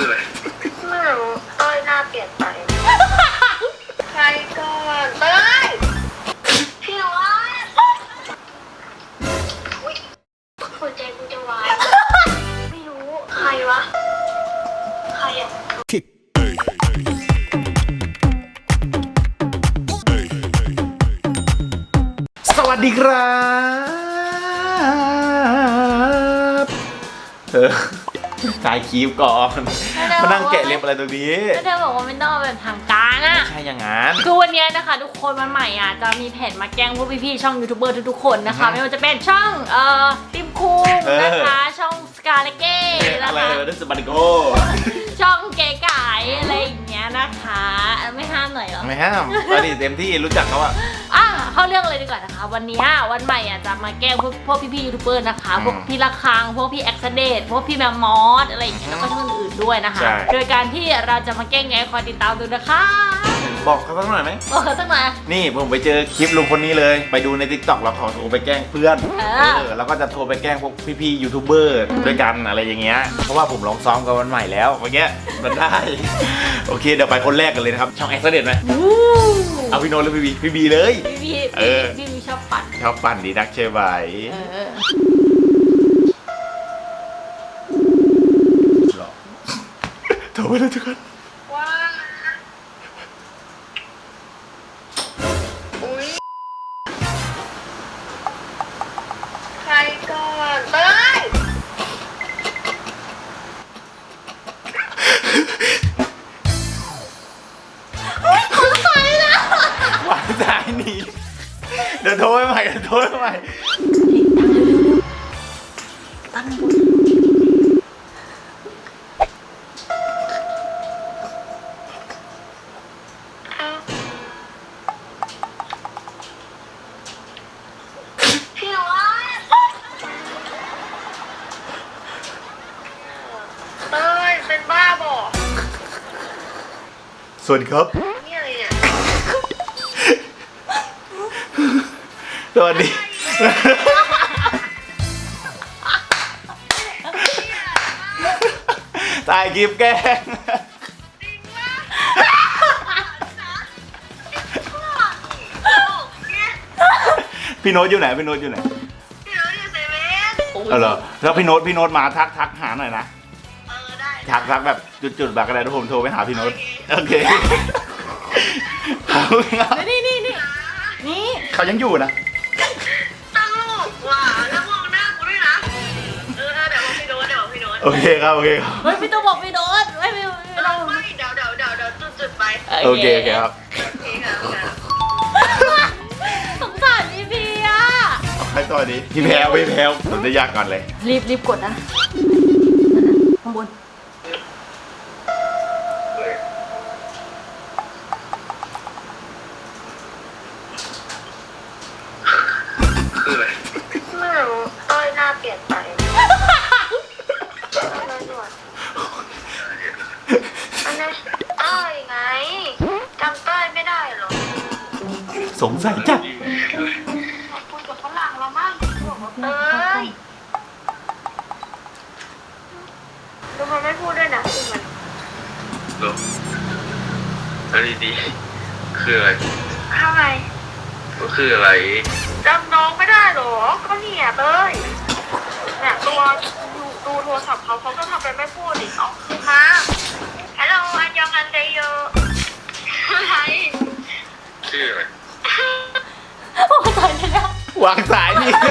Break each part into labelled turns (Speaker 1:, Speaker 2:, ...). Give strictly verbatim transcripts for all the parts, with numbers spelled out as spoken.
Speaker 1: อะไรไม่รู้ต้อยหน้าเปลี่ยนไปใครก่อนเต้ยพี่วัดอุ้ยหัวใจกูจะวายไม่รู้ใครวะใครอ่ะ
Speaker 2: สวัสดีครับเออถ่ายคลิปก่อนมานั่งแกะเล็บอะไรตรงนี้
Speaker 3: ก็เธอบอกว่าไม่ต้องแบบทางการอะ
Speaker 2: ไม่ใช่อย่างนั้น
Speaker 3: คือวันนี้นะคะทุกคนวันใหม่อ่ะจะมีแผนมาแกล้งพวกพี่ๆช่องยูทูบเบอร์ทุกๆคนนะคะไม่ว่าจะเป็นช่องเอ่อติมคุงนะคะช่องสกาเลเก้นะคะ
Speaker 2: อะไรนั่นสปาริโก
Speaker 3: ช่องเก๋ไก่อะไรอย่างเงี้ยนะคะไม่ห้ามหน่อยเหรอ
Speaker 2: ไม่ห้ามตอนนี้เต็มที่รู้จักเขาอะ
Speaker 3: อ่ะเข้าเรื่องเลยดีกว่านะคะวันนี้วันใหม่อ่ะจะมาแกล้งพวกพวกพี่ๆยูทูบเบอร์นะคะพวกพี่ละคังพวกพี่แอ็กซ์เดตพวกพี่แมมมอสอะไรอย่างเงี้ยแล้วก็ช่องอื่นด้วยนะคะโดยการที่เราจะมาแกล้งไงคอยติดตามดูนะคะ
Speaker 2: บอกเขาสักหน่อยไหม
Speaker 3: บอกเขาสักหน่อย
Speaker 2: นี่ผมไปเจอคลิปลุงคนนี้เลยไปดูใน ติ๊กต็อก แล้วขอโทรไปแกล้งเพื่อนเออแล้วก็จะโทรไปแกล้งพวกพี่ๆยูทูบเบอร์ด้วยกันอะไรอย่างเงี้ยเพราะว่าผมลองซ้อมกับวันใหม่แล้วเมื่อกี้มันได้โอเคเดี๋ยวไปคนแรกกันเลยนะครับช่องแอ็กซ์เดตไหมเอาพี่โน้ตหรือพี่บีพี่บีเลย
Speaker 3: พี่บีเออพี่บีชอบปั่น
Speaker 2: ชอบปั่นดีนักเชื่อไหมหรอโทรไปเลยทุกคน
Speaker 1: ว้าอุ้ยใครก่อนเต้ยว
Speaker 2: างสายหนีเดี๋ยวโทรไปใหม่เดี๋ยวโทรไปใหม่
Speaker 3: ตั้งบน
Speaker 1: พี่วัดเต้ยเป็นบ้าบ่
Speaker 2: สวัสดีครับ
Speaker 1: นี่อะไรเนี่ย
Speaker 2: สวัสดีถ่ายคลิปแกล้งพี่โน้ตอยู่ไหนพี่โน้ตอยู่ไหน
Speaker 1: พี่โน้ตอยู่เซเว่น
Speaker 2: เออเหรอแล้วพี่โน้ตพี่โน้ตมาทักทักหาหน่อยนะ
Speaker 1: เออได้
Speaker 2: ทักทักแบบจุดๆแบบอะไรทุกผมโทรไปหาพี่โน้ตโอเค
Speaker 3: นี่นี่นี่นี่
Speaker 2: เขายังอยู่นะ
Speaker 1: ตลกว่ะแล้วมองหน้ากูด้วยนะเออเดี๋ยวบอกพี่โน้ตเดี๋ยวบอกพี่โน้ต
Speaker 2: โอเคครับโอเคครับ
Speaker 3: เฮ้ยพี่ต้องบอกพี่โน้ตไม่ไม่
Speaker 1: ไม่ต้องไม่เดี๋ยวเดี๋ยวเดี๋ยวเดี๋ยวจุดจุดไป
Speaker 2: โอเคโอเคครับ
Speaker 1: โอเคครับ
Speaker 3: สงสารพี่พีอ่ะ
Speaker 2: ใครต่อดีพี่แพลวพี่แพลวผมจะยากก่อนเลย
Speaker 3: รีบรีบกดนะข้างบน
Speaker 1: คืออะไรไม่รู้ต้อยหน้าเปลี่ยนไปอะไรหนวดอันนั้นเต้ยไงจำเต้ยไม่ได้หรอ
Speaker 2: สงสัยจัด
Speaker 1: คุยกับฝรั่งเรามั่งเต้ยดูมันไม่พูดด้วยนะคือมัน
Speaker 4: หรออะไรดีคืออะไร
Speaker 1: ทำไม
Speaker 4: ก็คืออะไร
Speaker 1: จำน้องไม่ได้หรอก็เนี่ยเต้ยเนี่ยตัวดูดูโทรศัพท์เขาเขาก็ทำเป็นไม่พูดดิเนาะมาฮัลโหลอันยองอันเดโยอะไร
Speaker 4: ชื่ออะไร
Speaker 3: โอ้ตายแล้ว
Speaker 2: วางสายนี่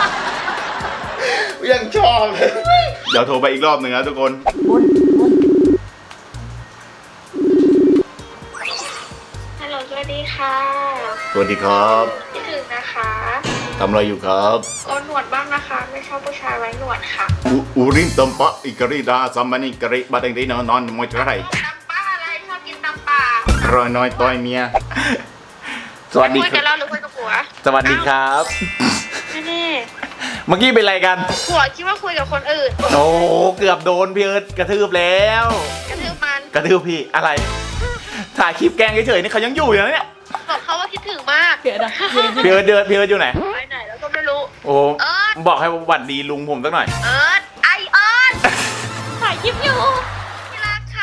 Speaker 2: ยังชอบเลยเดี๋ยวโทรไปอีกรอบหนึ่งนะทุกคน
Speaker 3: บนบน
Speaker 1: ฮัลโหลสวัสดีค่ะ
Speaker 2: สวัสดีครับ
Speaker 1: คิดถึงนะคะ
Speaker 2: ทำอะไรอยู่ครับ
Speaker 1: โกนหนวดบ้างนะคะไม่ชอบผู้ชายไว้หนวดค่ะ
Speaker 2: อูริมตมปะอิกริดาซัมมานิกริบาดังดีนอนนอนมวยเท่าไหร่
Speaker 1: ตำป้าอะไรชอบกินตำป่าร
Speaker 2: อยน้อยต้อยเมียสวัสดี
Speaker 1: คุยกันแล้วหรือคุยกับผัว
Speaker 2: สวัสดีครับ
Speaker 1: นี่
Speaker 2: เมื่อกี้เป็นอะไรกัน
Speaker 1: ผัวคิดว่าคุยกับคนอื่น
Speaker 2: โอ้เกือบโดนพี่เอิร์ธกระทืบแล้ว
Speaker 1: กระทืบมัน
Speaker 2: กระทืบพี่อะไรถ่ายคลิปแกล้งเฉยๆนี่เขายังอยู่อยู่นะเนี่ย
Speaker 1: บอกเขาว่าคิดถึงมาก
Speaker 3: เดี๋ยวนะ
Speaker 2: พี่เอิร์ธเดินพี่เอิร์ธอยู่ไหน
Speaker 1: ไปไหนแล้วก็ไม่รู้
Speaker 2: โอ้บอกให้หวัดดีลุงผมสักหน่อย
Speaker 1: เอิร์ธไอเอิร์ธ
Speaker 3: ถ่ายคลิปอยู่
Speaker 1: ที่รักค่ะ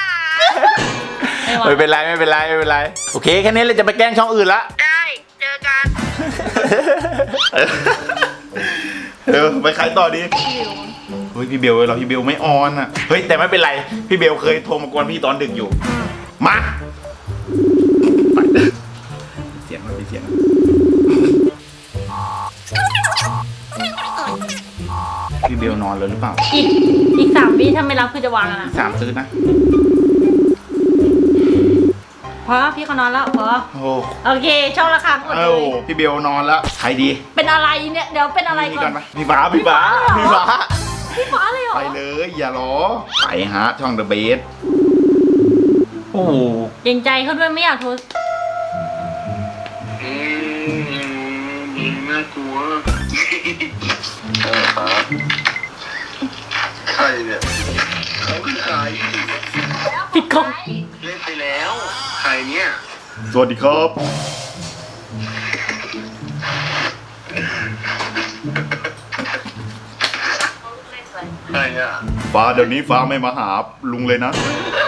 Speaker 3: ไม่
Speaker 2: ไม่เป็นไรไม่เป็นไรไม่เป็นไรโอเคแค่นี้เราจะไปแกล้งช่องอื่นละ
Speaker 1: ได้เจอกัน
Speaker 2: เออไปขายต่อดีเฮ้ยพี่เบลเราพี่เบลไม่ออนอ่ะเฮ้ยแต่ไม่เป็นไรพี่เบลเคยโทรมากวนพี่ตอนดึกอยู่มาไปเสียงมันไปเสียงพี่เบลนอนเลยหรือเปล่า
Speaker 3: อีกอีกสามวิถ้าไม่รับคือจะวางอะนะ
Speaker 2: สามตื้อนะ
Speaker 3: พอพี่เขานอนแล้วพอ
Speaker 2: โอ้
Speaker 3: โอเคช่องละครั้งหมดเล
Speaker 2: เอ้าย พี่เบลนอนแล้วใครดี
Speaker 3: เป็นอะไรเนี่ยเดี๋ยวเป็นอะไร
Speaker 2: นี่
Speaker 3: ก่
Speaker 2: ก่
Speaker 3: อ
Speaker 2: อน นปะพี่ฟ้าพี่ฟ้าพี่ฟ้า
Speaker 3: พี่ฟ้าเลยเหรอ
Speaker 2: ไปเลยอย่ารอไปฮะช่องเดอะเบสโอ้โห
Speaker 3: เกรงใจเขาด้วยไม่อยากโทร
Speaker 4: อืมน่ากลัวเออครับใครเนี่ยเขาคือใคร
Speaker 3: ปิดกล้อง
Speaker 4: เล่นไปแล้วใครเนี่ย
Speaker 2: สวัสดีครับ
Speaker 4: ใครอ่ะ
Speaker 2: ฟ้าเดี๋ยวนี้ฟ้าไม่มาหาลุงเลยนะ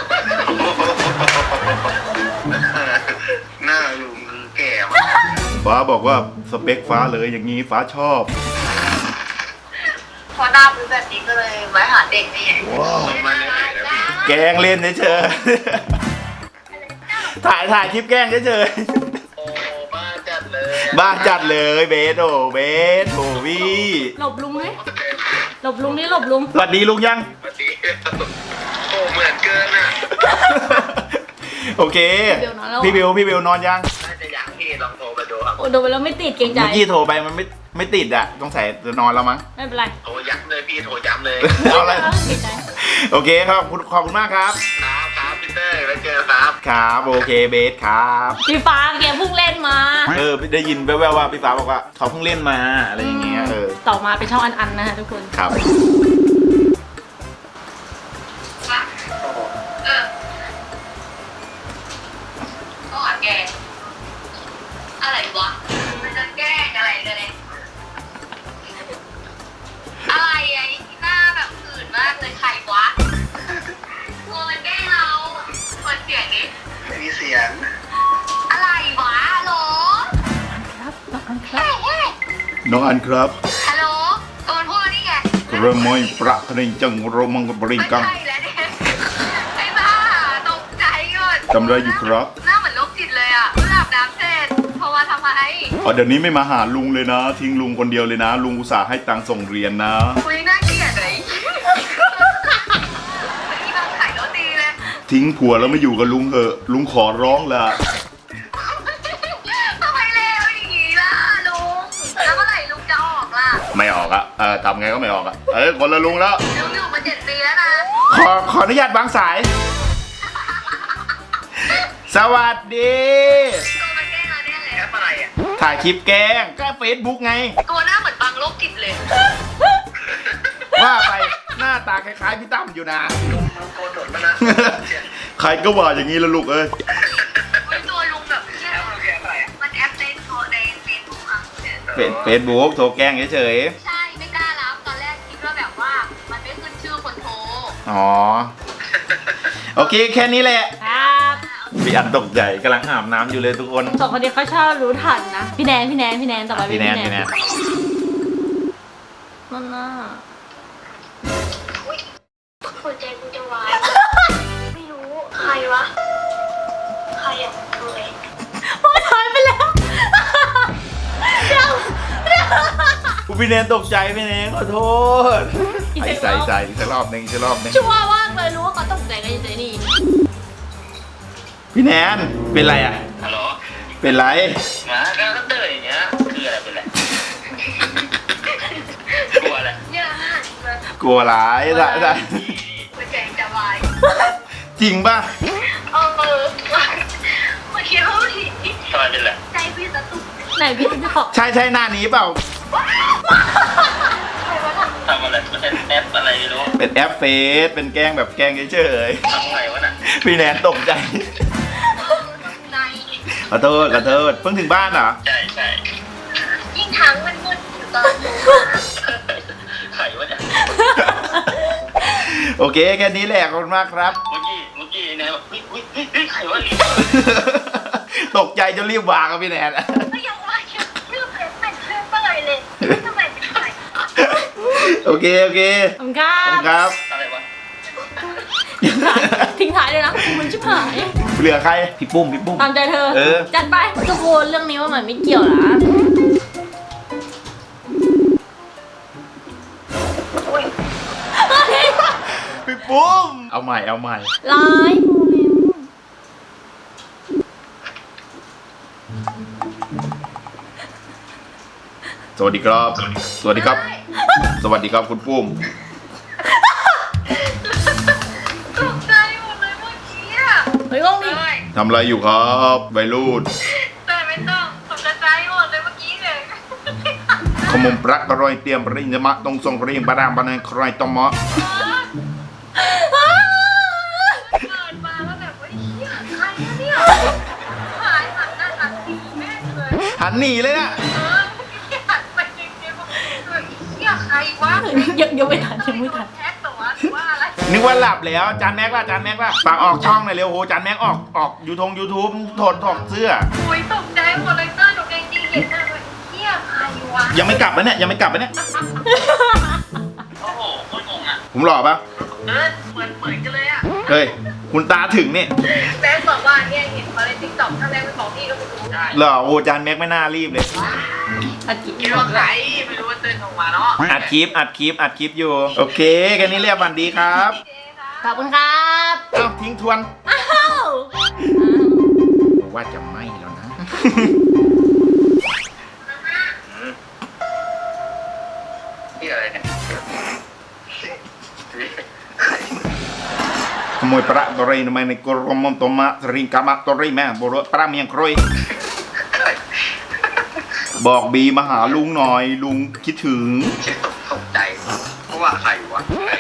Speaker 4: หน้าลุงคือแก่มาก
Speaker 2: ฟ้าบอกว่าสเปคฟ้าเลยอย่างนี้ฟ้าชอบ
Speaker 1: พอหน้าเป็นแบบนี้ก็เลยไว้หาเด็กนี่ไง
Speaker 4: มาเลยนะพี่
Speaker 2: แกล้งเล่นเฉยๆถ่ายถ่ายคลิปแกล้งเฉย
Speaker 4: โอ้บ้าจัดเลย
Speaker 2: ๆบ้าจัดเลยเบสโอเบสโอวี่
Speaker 3: หลบลุงเลยหลบลุงนี่หลบลุง
Speaker 2: สวัสดีลุงยัง
Speaker 4: สวัสดีโอ้เหมือนเกินอ่ะ
Speaker 2: โอเค พี่เบลพี่เบลนอนยัง
Speaker 4: น่าจะอยากพี่ลองโทรไปดูครับ
Speaker 3: โอ้โดนไปแล้วไม่ติดเกรงใจ
Speaker 2: เมื่อกี้โทรไปมันไม่ไม่ติดอ่ะต้องใส่จะนอนแล้วมั้ง
Speaker 3: ไม่เป็นไร
Speaker 4: โทรย้ำเลยพี่โทรย้ำเลย
Speaker 2: เอาอะไร
Speaker 3: เกรงใจ
Speaker 2: โอเคครับขอบคุณขอบคุณมากครับ
Speaker 4: ครับครับพี่เต้ยไว้เจอครับ
Speaker 2: ครับโอเคเบสครับ
Speaker 3: พี่ฟ้าแกเพิ่งเล่นมา
Speaker 2: เออได้ยินแว่วๆว่าพี่ฟ้าบอกว่าเขาเพิ่งเล่นมาอะไรอย่างเงี้ยเออ
Speaker 3: ต่อมาเป็นช่องอันๆนะฮะทุกคน
Speaker 2: ครับ
Speaker 1: เออก็หาแกอะไรวะมันจะแกล้งอะไรเลยอะไรไอ้ที่หน้าแบบอื่นมากเลยใครวะกลัวมันแกล้งเราคนเสียงนี้
Speaker 4: ไม่มีเสียง
Speaker 1: อะไรวะฮัลโหล
Speaker 3: ครับต่อกันครับ
Speaker 1: เฮ้ย
Speaker 2: น้องอันครับ
Speaker 1: ฮัลโหลตัวมันพูดนี่ไง
Speaker 2: เริ่มไม่ประทนิจังโรมังกบริง
Speaker 1: ไม่
Speaker 2: กัง
Speaker 1: ใช่แล้วเนี่ยไอ้บ้าตกใจก่อน
Speaker 2: ทำอะไรอยู่ครับ
Speaker 1: หน้าเหมือนโรคจิตเลยอ่ะเพิ่งอาบน้ำเสร็จโทรมาทำไม
Speaker 2: อ๋อเดี๋ยวนี้ไม่มาหาลุงเลยนะ ทิ้งลุงคนเดียวเลยนะ ลุงอุตส่าห์ให้ตังค์ส่งเรียนนะ
Speaker 1: คุยน่าเกลียดเลยที่บ้านขายโรตีเลย
Speaker 2: ทิ้งผัวแล้วไม่อยู่กับลุงเหอะ ลุงขอร้องละ
Speaker 1: ทำไมเลวอย่างนี้ล่ะลุงแล้วเมื่อไหร่ลุงจะออกล่ะ
Speaker 2: ไม่ออกอะเออทำไงก็ไม่ออกอะเออคนละลุงแล้ว
Speaker 1: ลุงอยู่มาเจ็ดปีแล้วนะ
Speaker 2: ขอขออนุญาตวางสาย สวัสดี
Speaker 1: ตัวมันแกล้งเราเนี่ยเลย
Speaker 4: แอปอะไรอ่ะ
Speaker 2: ถ่ายคลิปแกล้งก็เฟซบุ๊กไง
Speaker 1: ตัวหน้าเหมือนบังโรคจิตเลย
Speaker 2: ว่าไปหน้าตาคล้ายๆพี่ตั้มอยู่นะ
Speaker 4: ลุงโกนหนวดมานะ
Speaker 2: ใครก็ว่าอย่างนี้ละลูกเอ้ย
Speaker 1: เฮ้ยตัวลุงแบบเนี่ย
Speaker 4: แอปมันคือแอปอะไรอ่ะ
Speaker 1: มันแอปในโทรในเฟซบุ๊กอ่ะ
Speaker 2: เป็นเฟซบุ๊กโทรแกล้งเฉย
Speaker 1: ใช่ไม่กล้ารับตอนแรกคิดว่าแบบว่ามันไม่ขึ้นชื่อคนโทร
Speaker 2: ๆอ๋อ โอเคแค่นี้แหละ
Speaker 3: ครับ
Speaker 2: พี่อันตกใจกำลังอาบน้ำอยู่เลยทุกคน
Speaker 3: สองคนนี้เขาชอบรู้ทันนะพี่แนนพี่แนนพี่แนนต่อไปเป็น
Speaker 2: พี่แน
Speaker 3: พี่
Speaker 2: น
Speaker 3: แน
Speaker 2: พี่
Speaker 3: น
Speaker 2: แนน
Speaker 3: นั่นน่ะ
Speaker 1: อุ้ยหัวใจกูจะวาย ไม่รู้ ใครวะ ใครอ่ะตัวเอง
Speaker 3: โอ้ยถอยไปแล้วเดี๋ยวเดี๋ยว
Speaker 2: พี่แนนตกใจพี่แนนขอโทษใส่ใส่ใส่อีกสักรอบหนึ่งอีกสักรอบหนึ่ง
Speaker 3: ชัวร์มากเลยรู้ว่าเขาตกใจกันยังไงนี่
Speaker 2: พี่แนนเป็นไรอ่ะ
Speaker 4: ฮัลโหล
Speaker 2: เป็นไร
Speaker 4: หมาก็เต้ยอย่างเงี้ยคืออะไรเป็นไรกลัวอะไร
Speaker 1: เนี่ยฮะ
Speaker 2: กลัวร้ายใส่ใส่
Speaker 1: หัวใจจะวาย
Speaker 2: จริงป่ะ
Speaker 1: เออเมื่อกี้เขาที
Speaker 4: ทำไมเป็นไร
Speaker 1: ใจพี่จะตุก
Speaker 3: ไหนพี่จะขอ
Speaker 2: ใช่ใช่หน้านี้เปล่า
Speaker 1: ใครวะน่ะ
Speaker 4: ทำอะไรมันเป็นแอปอะไรไม่รู้
Speaker 2: เป็นแอปเฟซเป็นแกล้งแบบแกล้งเฉย
Speaker 4: ทำไงวะน่ะ
Speaker 2: ๆพี่แนนตกใจ
Speaker 1: เออใน
Speaker 2: ขอโทษขอโทษเพิ่งถึงบ้านเหรอ
Speaker 4: ใช่ใช่
Speaker 1: ยิ่งทั้งมันมืดอยู่ตอนนี้
Speaker 4: ไข่วะเนี่ย
Speaker 2: โอเคแค่นี้แหละขอบคุณมากครับ
Speaker 4: เมื่อกี้เมื่อกี้แนนแบบเฮ้ยเฮ้ยเฮ้ยเฮ้ยใครวะ
Speaker 2: ตกใจจนรีบวางครับพี่แนน
Speaker 1: ก็ยังว่าชื่อชื่อเพจเป็นชื่อเตยเลยทำไมเป็นใคร
Speaker 2: โอเคโอเค
Speaker 3: ขอบคุณครั
Speaker 2: ขอบบ คุณครับ
Speaker 4: อะไรวะ
Speaker 3: ทิ้งท้ายเลยนะมันชิบหาย
Speaker 2: เหลือใครพี่ปุ้มพี่ปุ้ม
Speaker 3: ตามใจเธอ
Speaker 2: เออ
Speaker 3: จัดไปทุกคนเรื่องนี้ว่ามันไม่เกี่ยวนะ
Speaker 1: อุ้ย
Speaker 2: พี่ปุ้มเอาใหม่เอาใหม่
Speaker 3: ร้ายโมเมนต์
Speaker 2: สวัสดีครับ สวัสดีครับ สวัสดีครับคุณปุ้ม
Speaker 1: ตกใจหมดเลยเมื่อกี้อะ
Speaker 3: เฮ้ยว่องดิ
Speaker 1: เตย
Speaker 2: ทำอะไรอยู่ครับวัยรุ่น
Speaker 1: เตยไม่ต้องตกใจหมดเลยเมื่อกี้เลย
Speaker 2: ขมมปรักกระรอยเตรียมปริญญามะตรงทรงปริญบารามบันเนใครตอมะ
Speaker 1: เกิดมาแล้วแบบว่าเฮียใครอะเนี่ยหายหันหน้าหันทีแม่งเลย
Speaker 2: หันหนีเลยนะ
Speaker 1: เออหันไปจริงๆบอกเฮ้ยเฮียใครวะ
Speaker 3: ยังยังไม่ทันยังไม่ทัน
Speaker 1: แท็กตัวหรือว่าอะไร
Speaker 2: นึกว่าหลับแล้วจานแม็กล่ะจานแม็กล่ะฝากออกช่องหน่อยเร็วโหจานแม็กออกออกยูทงยูทูบถอดถอดเสื้อ
Speaker 1: โอ้ยตกใจหมดเลยเตอร์หนูเองดีเห็นหน้าเลยเฮียใครวะ
Speaker 2: ยังไม่กลับนะเนี่ยยังไม่กลับนะเนี่ย
Speaker 4: โอ้โหโคตรงงอ่ะ
Speaker 2: ผมหล่อปะ
Speaker 1: เออเหมือนเหมือนกันเลยอะ
Speaker 2: เฮ้ยคุณตาถึงเนี่ย
Speaker 1: แม่บอกว่าเนี่ยเห็นเขาในติ๊กต็อกถ้าแม่ไม่บอกพี่ก็ไม่รู้
Speaker 4: ได้
Speaker 2: หล่อโอ้จานแม็กไม่น่ารีบเลย
Speaker 3: อาจิ
Speaker 1: คิดว่าใครไม่รู้ว่าเต้นออกมาเนาะ
Speaker 2: อัดคลิปอัดคลิปอัดคลิปอยู่โอเคแค่นี้เรียกวันดีครับ
Speaker 3: ขอบคุณครับ
Speaker 2: เอ้าทิ้งทวน
Speaker 3: อ้าว
Speaker 2: ว่าจะไม่แล้วนะ
Speaker 4: นี่อะไรเนี่ย
Speaker 2: ขโมยประตรีทำไมในกรมมตมะสริงกามะตรีแม่บรประเมียงครอยบอกบีมาหาลุงหน่อยลุงคิดถึง
Speaker 4: คิดตกตกใจเพราะว่าใครวะใคร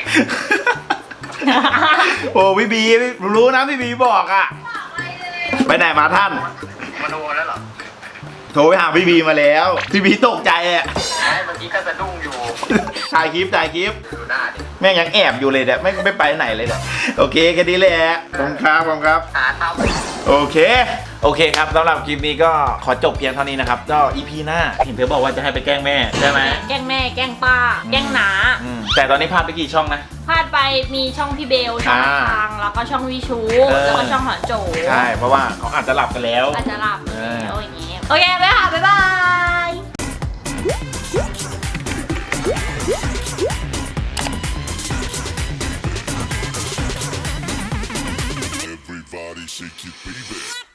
Speaker 2: โอ้พี่บีรู้นะพี่บีบอกอ่ะ ไปไหนมาท่าน
Speaker 4: มาโดนแล้วเหรอ
Speaker 2: โทรไปหาพี่บีมาแล้ว พี่บีตกใจอ่ะ
Speaker 4: ใช่เมื่อกี้ก็สะดุ้งอยู่
Speaker 2: ถ่ายคลิปถ่ายคลิป
Speaker 4: ดูหน้าดิ
Speaker 2: แม่งยังแอบอยู่เลยเนี่ยไม่ไม่ไปไหนเลยเนี่ยโอเคแค่นี้แหละขอบคุณครับขอบคุณครับ
Speaker 4: หาทำ
Speaker 2: โอเค โอเคครับสำหรับคลิปนี้ก็ขอจบเพียงเท่านี้นะครับก็อีพีหน้าเห็นเธอบอกว่าจะให้ไปแกล้งแม่ใช่ไหม
Speaker 3: แกล้งแม่แกล้งป้าแกล้งหนา
Speaker 2: อืมแต่ตอนนี้พลาดไปกี่ช่องนะ
Speaker 3: พลาดไปมีช่องพี่เบลช่อง
Speaker 2: อ่า
Speaker 3: ทางแล้วก็ช่องวิชู
Speaker 2: เออ
Speaker 3: แล้วก็ช่องหอนโจ
Speaker 2: ใช่เพราะว่าเขาอาจจะหลับกันแล้ว
Speaker 3: อาจจะหลับ
Speaker 2: เออ
Speaker 3: แล้วอย่างงี้โอเคไปค่ะบ๊ายบาย
Speaker 5: Everybody shake your baby.